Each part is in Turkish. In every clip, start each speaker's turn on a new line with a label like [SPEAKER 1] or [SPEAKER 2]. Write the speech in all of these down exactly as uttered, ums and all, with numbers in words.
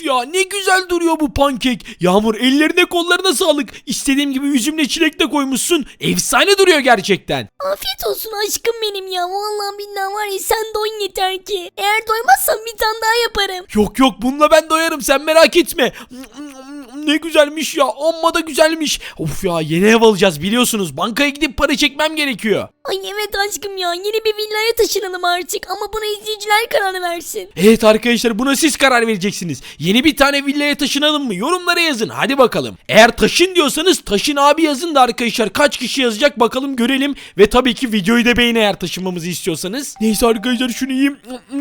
[SPEAKER 1] ya, ne güzel duruyor bu pankek. Yağmur, ellerine kollarına sağlık. İstediğim gibi üzümle çilek de koymuşsun. Efsane duruyor gerçekten.
[SPEAKER 2] Afiyet olsun aşkım benim ya. Vallahi billahi var ya, sen doyun yeter ki. Eğer doymazsan bir tane daha yaparım.
[SPEAKER 1] Yok yok, bununla ben doyarım, sen merak etme. Ne güzelmiş ya, amma da güzelmiş. Of ya, yeni ev alacağız biliyorsunuz. Bankaya gidip para çekmem gerekiyor.
[SPEAKER 2] Ay evet aşkım ya, yeni bir villaya taşınalım artık ama buna izleyiciler karar versin.
[SPEAKER 1] Evet arkadaşlar, buna siz karar vereceksiniz. Yeni bir tane villaya taşınalım mı? Yorumlara yazın hadi bakalım. Eğer taşın diyorsanız taşın abi yazın da arkadaşlar, kaç kişi yazacak bakalım görelim. Ve tabii ki videoyu da beğenin eğer taşınmamızı istiyorsanız. Neyse arkadaşlar, şunu yiyeyim.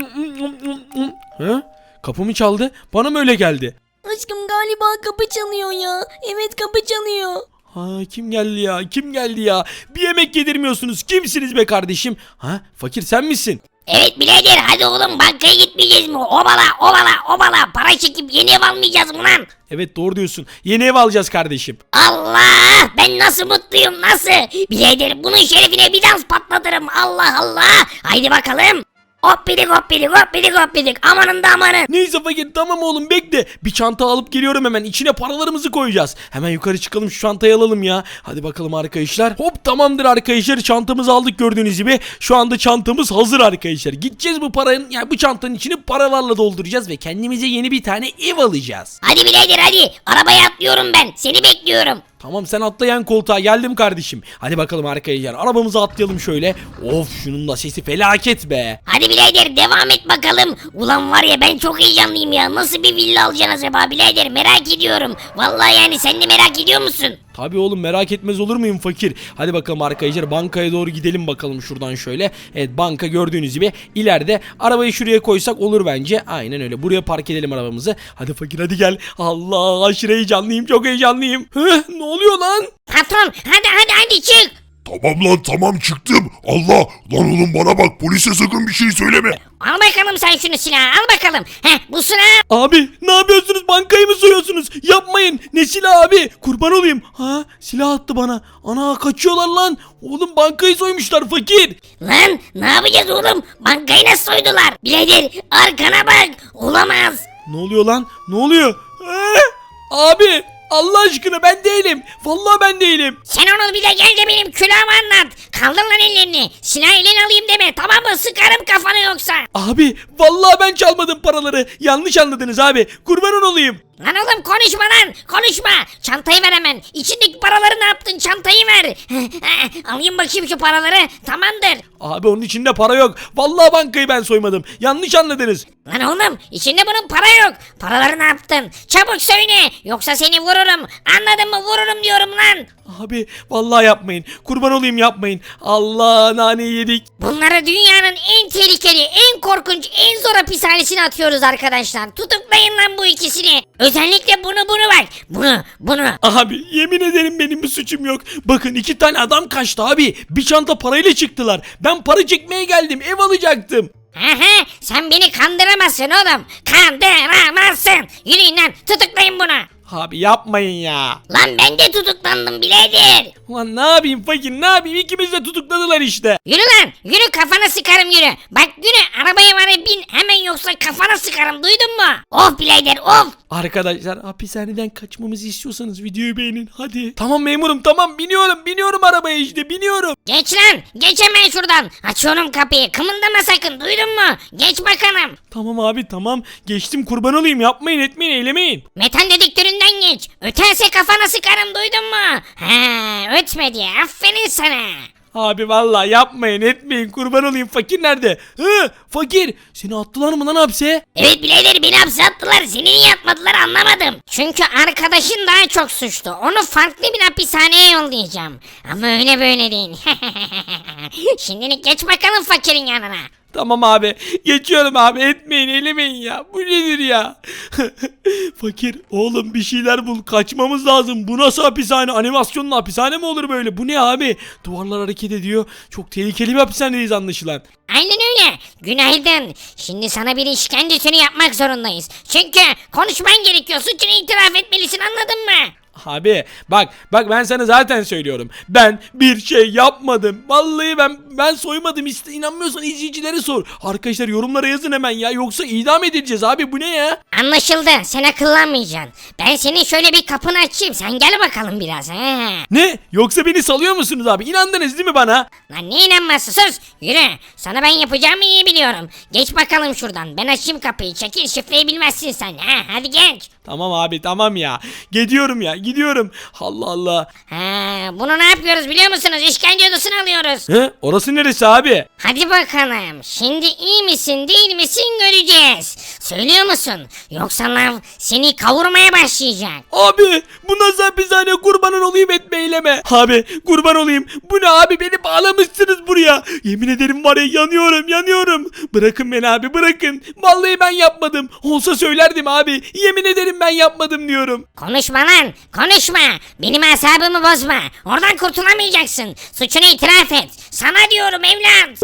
[SPEAKER 1] Ha? Kapı mı çaldı? Bana mı öyle geldi?
[SPEAKER 2] Aşkım galiba kapı çalıyor ya. Evet, kapı çalıyor.
[SPEAKER 1] Ha, kim geldi ya? Kim geldi ya? Bir yemek yedirmiyorsunuz. Kimsiniz be kardeşim? Ha, fakir sen misin?
[SPEAKER 3] Evet birader, hadi oğlum, bankaya gitmeyeceğiz mi? Obala obala obala, para çekip yeni ev almayacağız mı lan?
[SPEAKER 1] Evet, doğru diyorsun. Yeni ev alacağız kardeşim.
[SPEAKER 3] Allah, ben nasıl mutluyum, nasıl? Birader, bunun şerefine bir dans patlatırım. Allah Allah, haydi bakalım. Hoppidik hoppidik hoppidik hoppidik, amanın da amanın.
[SPEAKER 1] Neyse fakir, tamam oğlum, bekle. Bir çanta alıp geliyorum hemen. İçine paralarımızı koyacağız. Hemen yukarı çıkalım, şu çantayı alalım ya. Hadi bakalım arkadaşlar. Hop, tamamdır arkadaşlar. Çantamızı aldık gördüğünüz gibi. Şu anda çantamız hazır arkadaşlar. Gideceğiz bu paranın, yani bu çantanın içini paralarla dolduracağız ve kendimize yeni bir tane ev alacağız.
[SPEAKER 3] Hadi birader hadi, arabaya atlıyorum ben, seni bekliyorum.
[SPEAKER 1] Tamam, sen atlayan koltuğa, geldim kardeşim. Hadi bakalım arkadaşlar, arabamıza atlayalım şöyle. Of, şunun da sesi felaket be.
[SPEAKER 3] Hadi birader, devam et bakalım. Ulan var ya, ben çok heyecanlıyım ya. Nasıl bir villa alacaksın acaba birader, merak ediyorum. Vallahi yani, sen de merak ediyor musun?
[SPEAKER 1] Tabii oğlum, merak etmez olur muyum fakir? Hadi bakalım arkadaşlar, bankaya doğru gidelim bakalım şuradan şöyle. Evet, banka gördüğünüz gibi ileride. Arabayı şuraya koysak olur bence. Aynen öyle, buraya park edelim arabamızı. Hadi fakir, hadi gel. Allah, aşırı heyecanlıyım, çok heyecanlıyım. Hı, ne oluyor lan?
[SPEAKER 3] Patron, hadi hadi hadi çık.
[SPEAKER 4] Tamam lan, tamam çıktım. Allah lan, oğlum bana bak, polise sakın bir şey söyleme.
[SPEAKER 3] Al bakalım sen şunu, silahı al bakalım. Heh, bu silah.
[SPEAKER 1] Abi ne yapıyorsunuz, bankayı mı soyuyorsunuz? Yapmayın, ne silah abi, kurban olayım. Ha, silah attı bana. Ana, kaçıyorlar lan. Oğlum, bankayı soymuşlar fakir.
[SPEAKER 3] Lan ne yapacağız oğlum? Bankayı nasıl soydular? Birader, arkana bak. Olamaz.
[SPEAKER 1] Ne oluyor lan, ne oluyor? Ee, abi Allah aşkına, ben değilim. Vallahi ben değilim.
[SPEAKER 3] Sen onu bir de gel de benim külahımı anlat. Kaldır lan ellerini. Silahı eline alayım deme, tamam mı? Sıkarım kafanı yoksa.
[SPEAKER 1] Abi vallahi ben çalmadım paraları. Yanlış anladınız abi. Kurban olayım.
[SPEAKER 3] Lan oğlum, konuşma lan, konuşma. Çantayı ver hemen. İçindeki paraları ne yaptın? Çantayı ver. Alayım bakayım şu paraları. Tamamdır.
[SPEAKER 1] Abi onun içinde para yok. Vallahi bankayı ben soymadım. Yanlış anladınız.
[SPEAKER 3] Lan oğlum, içinde bunun para yok. Paraları ne yaptın? Çabuk söyle, yoksa seni vururum. Anladın mı? Vururum diyorum lan.
[SPEAKER 1] Abi vallahi yapmayın. Kurban olayım, yapmayın. Allah, naneyi yedik.
[SPEAKER 3] Bunları dünyanın en tehlikeli, en korkunç, en zor hapishanesine atıyoruz arkadaşlar. Tutuklayın lan bu ikisini. Özellikle bunu bunu bak. Bunu bunu.
[SPEAKER 1] Abi yemin ederim benim bir suçum yok. Bakın, iki tane adam kaçtı abi. Bir çanta parayla çıktılar. Ben para çekmeye geldim. Ev alacaktım.
[SPEAKER 3] Aha, sen beni kandıramazsın oğlum. Kandıramazsın. Yürüyün lan, tutuklayın bunu.
[SPEAKER 1] Abi yapmayın ya.
[SPEAKER 3] Lan ben de tutuklandım birader.
[SPEAKER 1] Ulan ne yapayım fakir, ne yapayım? İkimiz de tutukladılar işte.
[SPEAKER 3] Yürü lan, yürü, kafana sıkarım yürü. Bak yürü, arabaya var ya, bin hemen, yoksa kafana sıkarım, duydun mu? Of birader of.
[SPEAKER 1] Arkadaşlar, hapishaneden kaçmamızı istiyorsanız videoyu beğenin hadi. Tamam memurum, tamam, biniyorum biniyorum arabaya işte, biniyorum.
[SPEAKER 3] Geç lan, geç hemen şuradan. Açıyorum kapıyı, kımıldama sakın, duydun mu? Geç bakalım.
[SPEAKER 1] Tamam abi, tamam, geçtim, kurban olayım, yapmayın etmeyin eylemeyin.
[SPEAKER 3] Metal dedektöründen geç. Öterse kafana sıkarım, duydun mu? He, ötmedi, aferin sana.
[SPEAKER 1] Abi vallahi yapmayın etmeyin, kurban olayım. Fakir nerede? Hı, fakir, seni attılar mı lan hapse?
[SPEAKER 3] Evet birader, beni hapse attılar, seni niye atmadılar anlamadım. Çünkü arkadaşın daha çok suçlu, onu farklı bir hapishaneye yollayacağım. Ama öyle böyle değil. Şimdilik geç bakalım fakirin yanına.
[SPEAKER 1] Tamam abi, geçiyorum abi, etmeyin eylemeyin ya, bu nedir ya? Fakir oğlum, bir şeyler bul, kaçmamız lazım. Bu nasıl hapishane? Animasyonlu hapishane mi olur böyle? Bu ne abi? Duvarlar hareket ediyor, çok tehlikeli bir hapishanedeyiz anlaşılan.
[SPEAKER 3] Aynen öyle. Günaydın. Şimdi sana bir işkencesini yapmak zorundayız. Çünkü konuşman gerekiyor. Suçunu itiraf etmelisin, anladın mı?
[SPEAKER 1] Abi bak bak ben sana zaten söylüyorum. Ben bir şey yapmadım. Vallahi ben ben soymadım. İşte inanmıyorsan izleyicilere sor. Arkadaşlar yorumlara yazın hemen ya. Yoksa idam edileceğiz abi, bu ne ya?
[SPEAKER 3] Anlaşıldı. Sen akıllanmayacaksın. Ben senin şöyle bir kapını açayım. Sen gel bakalım biraz. He.
[SPEAKER 1] Ne? Yoksa beni salıyor musunuz abi? İnandınız değil mi bana?
[SPEAKER 3] Lan ne inanmazsın, sus. Yürü. Sana ben yapacağımı iyi biliyorum. Geç bakalım şuradan. Ben açayım kapıyı. Çekil, şifreyi bilmezsin sen. Ha, hadi geç.
[SPEAKER 1] Tamam abi tamam ya. Gidiyorum ya gidiyorum. Allah Allah.
[SPEAKER 3] Ha, bunu ne yapıyoruz biliyor musunuz? İşkence odasına alıyoruz.
[SPEAKER 1] He? Orası neresi abi?
[SPEAKER 3] Hadi bakalım. Şimdi iyi misin değil misin göreceğiz. Söylüyor musun? Yoksa lav seni kavurmaya başlayacak.
[SPEAKER 1] Abi bu nasıl hapishane, kurbanın olayım etme eyleme. Abi kurban olayım. Bu ne abi, beni bağlamışsınız buraya. Yemin ederim var ya, yanıyorum yanıyorum. Bırakın beni abi bırakın. Vallahi ben yapmadım. Olsa söylerdim abi. Yemin ederim ben yapmadım diyorum.
[SPEAKER 3] Konuşma lan. Konuşma. Benim asabımı bozma. Oradan kurtulamayacaksın. Suçunu itiraf et. Sana diyorum evlat.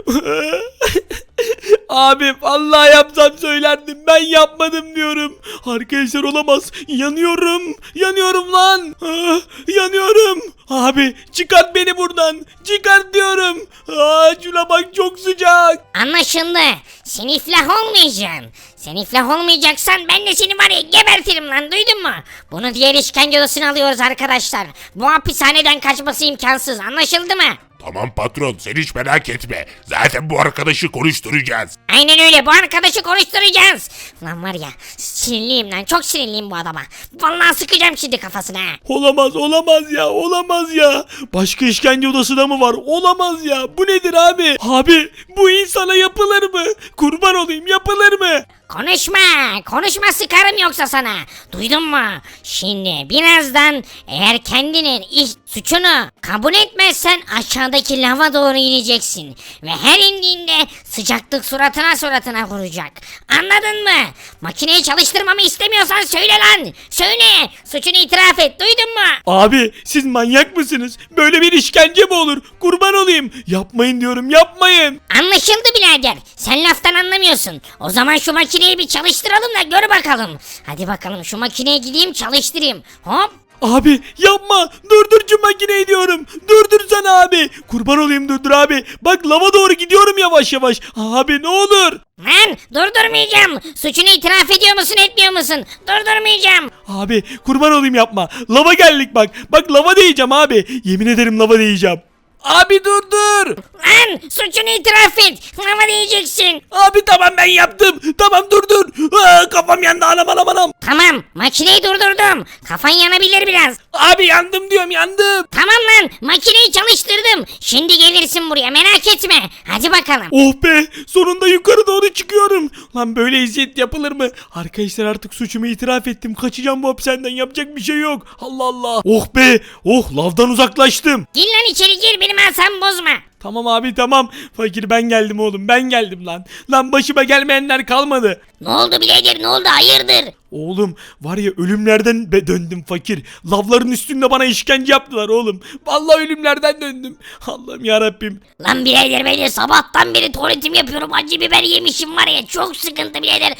[SPEAKER 1] Abi vallahi yapsam söylerdim, ben yapmadım diyorum. Arkadaşlar olamaz, yanıyorum yanıyorum lan. Ah, yanıyorum. Abi çıkart beni buradan, çıkart diyorum. Aa, şuna bak çok sıcak.
[SPEAKER 3] Anlaşıldı. Sen iflah olmayacaksın. Sen iflah olmayacaksan ben de seni var ya gebertirim lan, duydun mu? Bunu diğer işkence odasına alıyoruz arkadaşlar. Bu hapishaneden kaçması imkansız, anlaşıldı mı?
[SPEAKER 4] Tamam patron, sen hiç merak etme. Zaten bu arkadaşı konuşturacağız.
[SPEAKER 3] Aynen öyle, bu arkadaşı konuşturacağız. Lan var ya sinirliyim lan, çok sinirliyim bu adama. Vallahi sıkacağım şimdi kafasına.
[SPEAKER 1] Olamaz olamaz ya, olamaz ya. Başka işkence odası da mı var? Olamaz ya. Bu nedir abi? Abi bu insana yapılır mı? Kurban olayım, yapılır mı?
[SPEAKER 3] Konuşma, konuşma sıkarım yoksa sana. Duydun mu? Şimdi birazdan eğer kendinin iş suçunu kabul etmezsen aşağıdaki lava doğru ineceksin. Ve her indiğinde sıcaklık suratına suratına vuracak. Anladın mı? Makineyi çalıştırmamı istemiyorsan söyle lan. Söyle. Suçunu itiraf et, duydun mu?
[SPEAKER 1] Abi siz manyak mısınız? Böyle bir işkence mi olur? Kurban olayım. Yapmayın diyorum, yapmayın.
[SPEAKER 3] Anlaşıldı birader. Sen laftan anlamıyorsun. O zaman şu makineyi bir çalıştıralım da gör bakalım. Hadi bakalım şu makineye gideyim çalıştırayım. Hop.
[SPEAKER 1] Abi yapma, durdur şu makineyi diyorum, durdursana abi, kurban olayım durdur abi, bak lava doğru gidiyorum yavaş yavaş, abi ne olur.
[SPEAKER 3] Lan durdurmayacağım. Suçunu itiraf ediyor musun etmiyor musun? Durdurmayacağım.
[SPEAKER 1] Abi kurban olayım yapma, lava geldik bak, bak lava diyeceğim abi, yemin ederim lava diyeceğim. Abi durdur.
[SPEAKER 3] Lan suçunu itiraf et. Lava diyeceksin.
[SPEAKER 1] Abi tamam ben yaptım, tamam durdur. Aa, kafam yandı, anam anam anam.
[SPEAKER 3] Tamam makineyi durdurdum. Kafan yanabilir biraz.
[SPEAKER 1] Abi yandım diyorum, yandım.
[SPEAKER 3] Tamam lan makineyi çalıştırdım. Şimdi gelirsin buraya, merak etme. Hadi bakalım.
[SPEAKER 1] Oh be, sonunda yukarı doğru çıkıyorum. Lan böyle eziyet yapılır mı? Arkadaşlar artık suçumu itiraf ettim. Kaçacağım bu hapishaneden, yapacak bir şey yok. Allah Allah. Oh be, oh lavdan uzaklaştım.
[SPEAKER 3] Gir lan içeri gir, benim asabımı bozma.
[SPEAKER 1] Tamam abi tamam. Fakir ben geldim oğlum, ben geldim lan. Lan başıma gelmeyenler kalmadı.
[SPEAKER 3] Ne oldu birader, ne oldu, hayırdır?
[SPEAKER 1] Oğlum var ya, ölümlerden be döndüm fakir. Lavların üstünde bana işkence yaptılar oğlum. Vallahi ölümlerden döndüm. Allah'ım ya Rabbim.
[SPEAKER 3] Lan birader ben de sabahtan beri tuvaletim yapıyorum. Acı biber yemişim var ya, çok sıkıntı birader.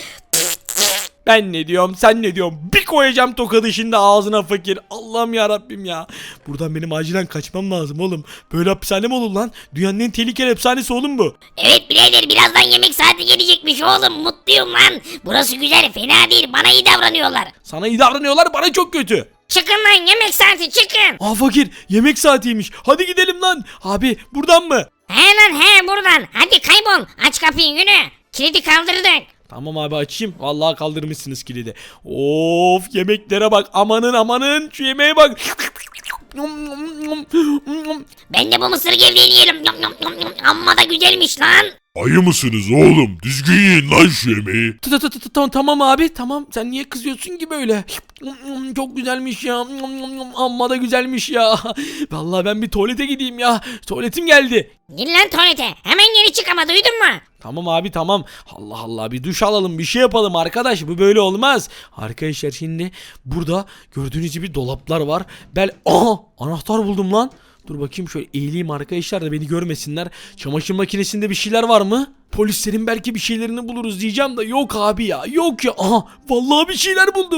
[SPEAKER 1] Ben ne diyorum, sen ne diyorsun? Bir koyacağım tokadı şimdi ağzına fakir. Allah'ım ya Rabbim ya. Buradan benim acilen kaçmam lazım oğlum. Böyle hapishane mi olur lan? Dünyanın en tehlikeli hapishanesi oğlum bu.
[SPEAKER 3] Evet birader, birazdan yemek saati gelecekmiş oğlum, mutluyum lan. Burası güzel, fena değil, bana iyi davranıyorlar.
[SPEAKER 1] Sana iyi davranıyorlar, bana çok kötü.
[SPEAKER 3] Çıkın lan, yemek saati çıkın.
[SPEAKER 1] Aa fakir, yemek saatiymiş. Hadi gidelim lan. Abi buradan mı?
[SPEAKER 3] He lan he, buradan. Hadi kaybol, aç kapıyı, yürü. Kilidi kaldırdık.
[SPEAKER 1] Tamam abi açayım. Vallahi kaldırmışsınız kilidi. Of yemeklere bak. Amanın amanın. Şu yemeğe bak.
[SPEAKER 3] Ben de bu mısır gevreğini yerim. Yum, yum, yum, yum. Amma da güzelmiş lan.
[SPEAKER 4] Ayı mısınız oğlum? Düzgün yiyin lan şu yemeği.
[SPEAKER 1] Ta- ta- ta- ta- Tamam tamam abi tamam, sen niye kızıyorsun ki böyle? Çok güzelmiş ya, amma da güzelmiş ya. Vallahi ben bir tuvalete gideyim ya, tuvaletim geldi.
[SPEAKER 3] Gir lan tuvalete, hemen geri çık ama, duydun mu?
[SPEAKER 1] Tamam abi tamam. Allah Allah, bir duş alalım, bir şey yapalım arkadaş, bu böyle olmaz. Arkadaşlar şimdi burada gördüğünüz gibi dolaplar var. Bel aha anahtar buldum lan. Dur bakayım şöyle eğileyim arkadaşlar da beni görmesinler. Çamaşır makinesinde bir şeyler var mı? Polislerin belki bir şeylerini buluruz diyeceğim de yok abi ya, yok ya. Aha vallahi bir şeyler buldum.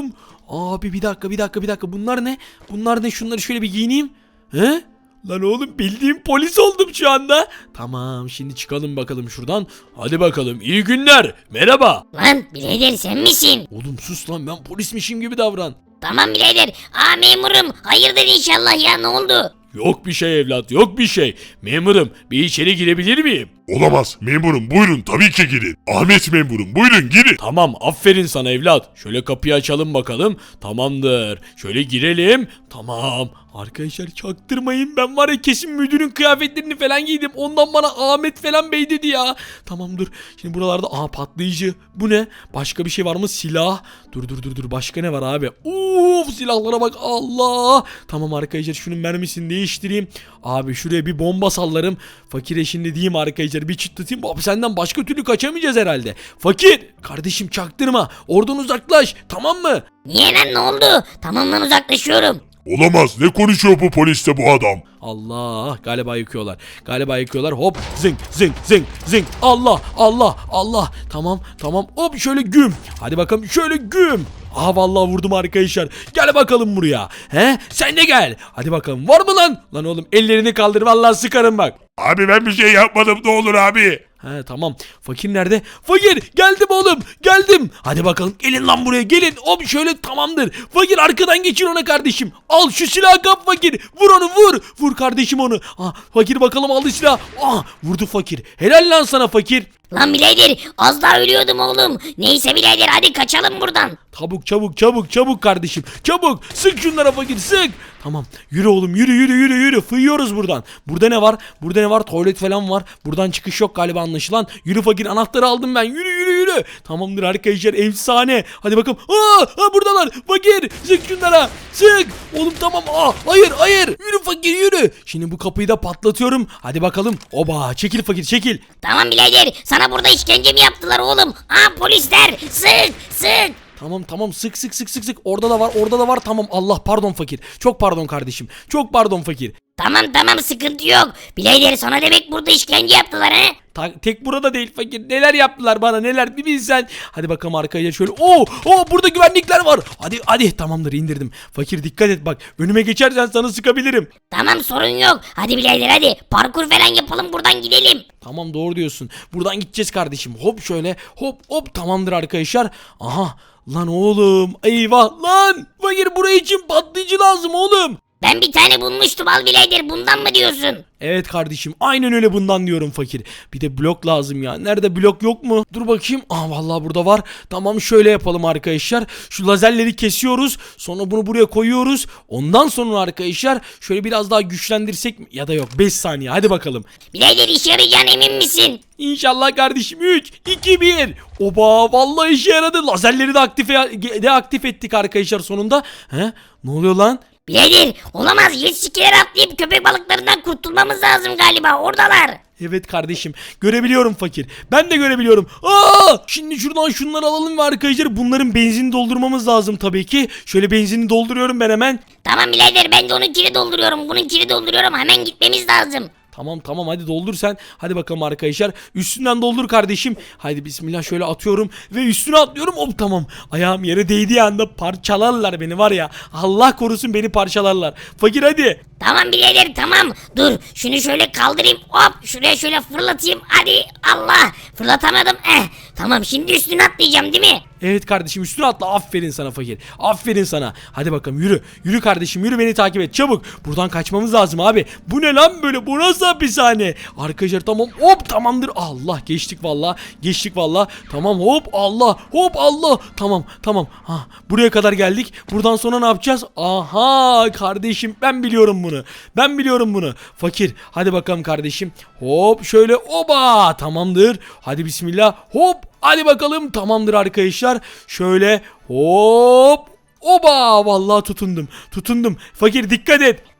[SPEAKER 1] Abi bir dakika bir dakika bir dakika bunlar ne? Bunlar ne? Şunları şöyle bir giyineyim. He? Lan oğlum bildiğim polis oldum şu anda. Tamam şimdi çıkalım bakalım şuradan. Hadi bakalım iyi günler. Merhaba.
[SPEAKER 3] Lan birader sen misin?
[SPEAKER 1] Oğlum sus lan ben polismişim gibi davran.
[SPEAKER 3] Tamam birader. Aa memurum. Hayırdır inşallah ya ne oldu?
[SPEAKER 1] Yok bir şey evlat yok bir şey. Memurum bir içeri girebilir miyim?
[SPEAKER 4] Olamaz. Memurum buyurun tabii ki girin. Ahmet memurum buyurun girin.
[SPEAKER 1] Tamam aferin sana evlat. Şöyle kapıyı açalım bakalım. Tamamdır. Şöyle girelim. Tamam. Arkadaşlar çaktırmayın. Ben var ya kesin müdürün kıyafetlerini falan giydim. Ondan bana Ahmet falan bey dedi ya. Tamam dur. Şimdi buralarda aha patlayıcı. Bu ne? Başka bir şey var mı? Silah. Dur dur dur dur. Başka ne var abi? Uf silahlara bak. Allah. Tamam arkadaşlar şunun mermisini değiştireyim. Abi şuraya bir bomba sallarım. Fakire şimdi diyeyim arkadaşlar bir çıtlatayım. Abi senden başka türlü kaçamayacağız herhalde. Fakir. Kardeşim çaktırma. Oradan uzaklaş. Tamam mı?
[SPEAKER 3] Niye lan ne oldu? Tamam lan uzaklaşıyorum.
[SPEAKER 4] Olamaz. Ne konuşuyor bu poliste bu adam?
[SPEAKER 1] Allah galiba yıkıyorlar. Galiba yıkıyorlar. Hop zınk zınk zınk zınk. Allah Allah Allah. Tamam tamam. Hop şöyle güm. Hadi bakalım şöyle güm. Aha vallahi vurdum arkadaşlar. Gel bakalım buraya. He? Sen de gel. Hadi bakalım. Var mı lan? Lan oğlum ellerini kaldır vallahi sıkarım bak.
[SPEAKER 4] Abi ben bir şey yapmadım ne olur abi.
[SPEAKER 1] He tamam. Fakir nerede? Fakir geldim oğlum. Geldim. Hadi bakalım gelin lan buraya gelin. Hop şöyle tamamdır. Fakir arkadan geçir ona kardeşim. Al şu silahı kap fakir. Vur onu vur. Vur kardeşim onu. Ah, fakir bakalım aldı silahı. Ah, vurdu fakir. Helal lan sana fakir.
[SPEAKER 3] Lan birader az daha ölüyordum oğlum. Neyse birader hadi kaçalım buradan.
[SPEAKER 1] Çabuk çabuk çabuk çabuk kardeşim. Çabuk sık şunlara fakir sık. Tamam yürü oğlum yürü yürü yürü yürü. Fıyıyoruz buradan. Burada ne var? Burada ne var? Tuvalet falan var. Buradan çıkış yok galiba anlaşılan. Yürü fakir anahtarı aldım ben. Yürü yürü yürü. Tamamdır arkadaşlar efsane. Hadi bakalım. Aa, aa buradalar. Fakir sık şunlara. Sık. Oğlum tamam. Aa, hayır hayır. Yürü fakir yürü. Şimdi bu kapıyı da patlatıyorum. Hadi bakalım. Oba çekil fakir çekil.
[SPEAKER 3] Tamam birader sana burada işkence mi yaptılar oğlum? Aa polisler sık sık.
[SPEAKER 1] Tamam tamam sık sık sık sık sık orada da var orada da var tamam Allah pardon fakir çok pardon kardeşim çok pardon fakir.
[SPEAKER 3] Tamam tamam sıkıntı yok. Birader sana demek burada işkence yaptılar he?
[SPEAKER 1] Ta- tek burada değil fakir neler yaptılar bana neler bir bilsen. Hadi bakalım arkaya şöyle oo oo burada güvenlikler var. Hadi hadi tamamdır indirdim. Fakir dikkat et bak önüme geçersen sana sıkabilirim.
[SPEAKER 3] Tamam sorun yok. Hadi birader hadi parkur falan yapalım buradan gidelim.
[SPEAKER 1] Tamam doğru diyorsun buradan gideceğiz kardeşim hop şöyle hop hop tamamdır arkadaşlar. Aha lan oğlum eyvah lan fakir buraya için patlayıcı lazım oğlum.
[SPEAKER 3] Ben bir tane bulmuştum al birader bundan mı diyorsun?
[SPEAKER 1] Evet kardeşim aynen öyle bundan diyorum fakir. Bir de blok lazım ya. Nerede blok yok mu? Dur bakayım. Aa vallahi burada var. Tamam şöyle yapalım arkadaşlar. Şu lazerleri kesiyoruz. Sonra bunu buraya koyuyoruz. Ondan sonra arkadaşlar şöyle biraz daha güçlendirsek mi? Ya da yok beş saniye hadi bakalım.
[SPEAKER 3] Birader işe yarayacağına emin misin?
[SPEAKER 1] İnşallah kardeşim üç iki bir. Oba vallahi işe yaradı. Lazerleri de aktif de aktif ettik arkadaşlar sonunda. He? Ne oluyor lan?
[SPEAKER 3] Birader olamaz jet skiler atlayıp köpek balıklarından kurtulmamız lazım galiba oradalar.
[SPEAKER 1] Evet kardeşim görebiliyorum fakir. Ben de görebiliyorum. Aa! Şimdi şuradan şunları alalım ve arkadaşlar bunların benzinini doldurmamız lazım tabii ki. Şöyle benzinini dolduruyorum ben hemen.
[SPEAKER 3] Tamam birader ben de onunkini dolduruyorum bununkini dolduruyorum hemen gitmemiz lazım.
[SPEAKER 1] Tamam tamam hadi doldur sen. Hadi bakalım arkadaşlar. Üstünden doldur kardeşim. Haydi bismillah şöyle atıyorum ve üstüne atlıyorum. Hop tamam. Ayağım yere değdiği anda parçalarlar beni var ya. Allah korusun beni parçalarlar. Fakir hadi.
[SPEAKER 3] Tamam birader tamam dur şunu şöyle kaldırayım hop şuraya şöyle fırlatayım hadi Allah fırlatamadım eh tamam şimdi üstüne atlayacağım değil mi?
[SPEAKER 1] Evet kardeşim üstüne atla aferin sana fakir. Aferin sana. Hadi bakalım yürü. Yürü kardeşim yürü beni takip et çabuk. Buradan kaçmamız lazım abi. Bu ne lan böyle bu nasıl hapishane? Arkadaşlar tamam hop tamamdır. Allah geçtik valla. Geçtik valla. Tamam hop Allah hop Allah. Tamam tamam. Ha, buraya kadar geldik. Buradan sonra ne yapacağız? Aha kardeşim ben biliyorum bunu. Ben biliyorum bunu. Fakir hadi bakalım kardeşim. Hop şöyle oba tamamdır. Hadi bismillah hop. Hadi bakalım tamamdır arkadaşlar. Şöyle hop. Oba vallahi tutundum. Tutundum. Fakir dikkat et.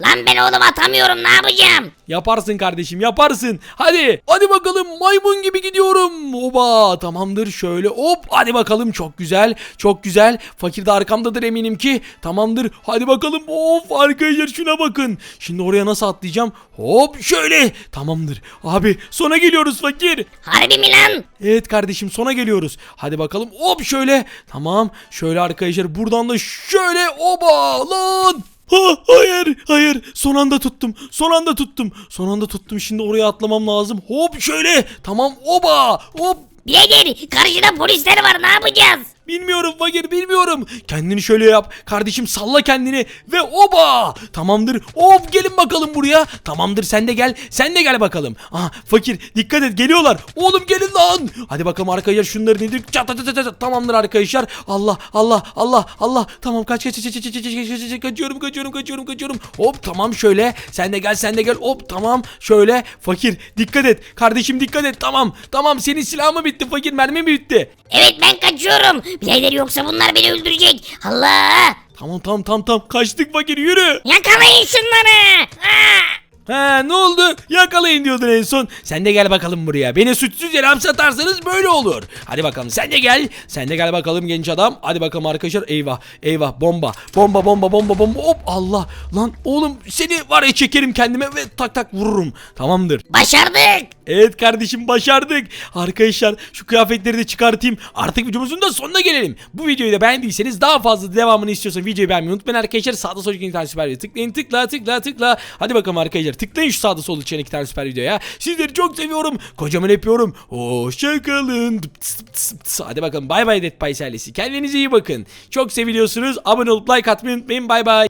[SPEAKER 3] Lan ben oğlum atamıyorum, ne yapacağım?
[SPEAKER 1] Yaparsın kardeşim, yaparsın. Hadi. Hadi bakalım, maymun gibi gidiyorum. Oba, tamamdır, şöyle hop. Hadi bakalım, çok güzel. Çok güzel. Fakir de arkamdadır eminim ki. Tamamdır. Hadi bakalım. Of arkadaşlar, şuna bakın. Şimdi oraya nasıl atlayacağım? Hop şöyle. Tamamdır. Abi sona geliyoruz fakir.
[SPEAKER 3] Harbi mi lan?
[SPEAKER 1] Evet kardeşim, sona geliyoruz. Hadi bakalım, hop şöyle. Tamam, şöyle arkadaşlar, buradan da şöyle, oba lan. Ha, hayır hayır, son anda tuttum, son anda tuttum, son anda tuttum. Şimdi oraya atlamam lazım. Hop şöyle, tamam, oba hop.
[SPEAKER 3] Birader karşıda polisler var, ne yapacağız?
[SPEAKER 1] Bilmiyorum fakir, bilmiyorum. Kendini şöyle yap kardeşim, salla kendini ve oba. Tamamdır, hop gelin bakalım buraya. Tamamdır, sen de gel, sen de gel bakalım. Aha fakir, dikkat et, geliyorlar. Oğlum gelin lan. Hadi bakalım arkadaşlar, şunları nedir? Çat çat çat çat. Tamamdır arkadaşlar. Allah Allah Allah Allah. Tamam, kaç kaç kaç kaç kaç kaç kaç kaç kaçıyorum kaçıyorum kaçıyorum kaçıyorum. Hop tamam, şöyle sen de gel, sen de gel. Hop tamam, şöyle fakir dikkat et kardeşim, dikkat et. Tamam tamam, senin silahın mı bitti fakir, mermi mi bitti?
[SPEAKER 3] Evet ben kaçıyorum. Birader yoksa bunlar beni öldürecek. Allah!
[SPEAKER 1] Tamam tamam tamam tamam, kaçtık fakir, yürü.
[SPEAKER 3] Yakalayın şunları. Aa!
[SPEAKER 1] He, ne oldu? Yakalayın diyordun en son. Sen de gel bakalım buraya. Beni suçsuz yere hapse atarsanız böyle olur. Hadi bakalım, sen de gel. Sen de gel bakalım genç adam. Hadi bakalım arkadaşlar. Eyvah eyvah, bomba. Bomba bomba bomba bomba. Hop Allah. Lan oğlum, seni var ya çekerim kendime ve tak tak vururum. Tamamdır.
[SPEAKER 3] Başardık.
[SPEAKER 1] Evet kardeşim, başardık. Arkadaşlar şu kıyafetleri de çıkartayım. Artık videomuzun da sonuna gelelim. Bu videoyu da beğendiyseniz, daha fazla devamını istiyorsanız videoyu beğenmeyi unutmayın arkadaşlar. Sağda solda iki tane süper video tıklayın, tıkla tıkla tıkla. Hadi bakalım arkadaşlar, tıklayın şu sağda solda çıkan iki tane süper videoya. Sizleri çok seviyorum. Kocaman öpüyorum. Hoşçakalın. Hadi bakalım, bay bay Dead Pies ailesi. Kendinize iyi bakın. Çok seviliyorsunuz. Abone olup like atmayı unutmayın. Bay bay.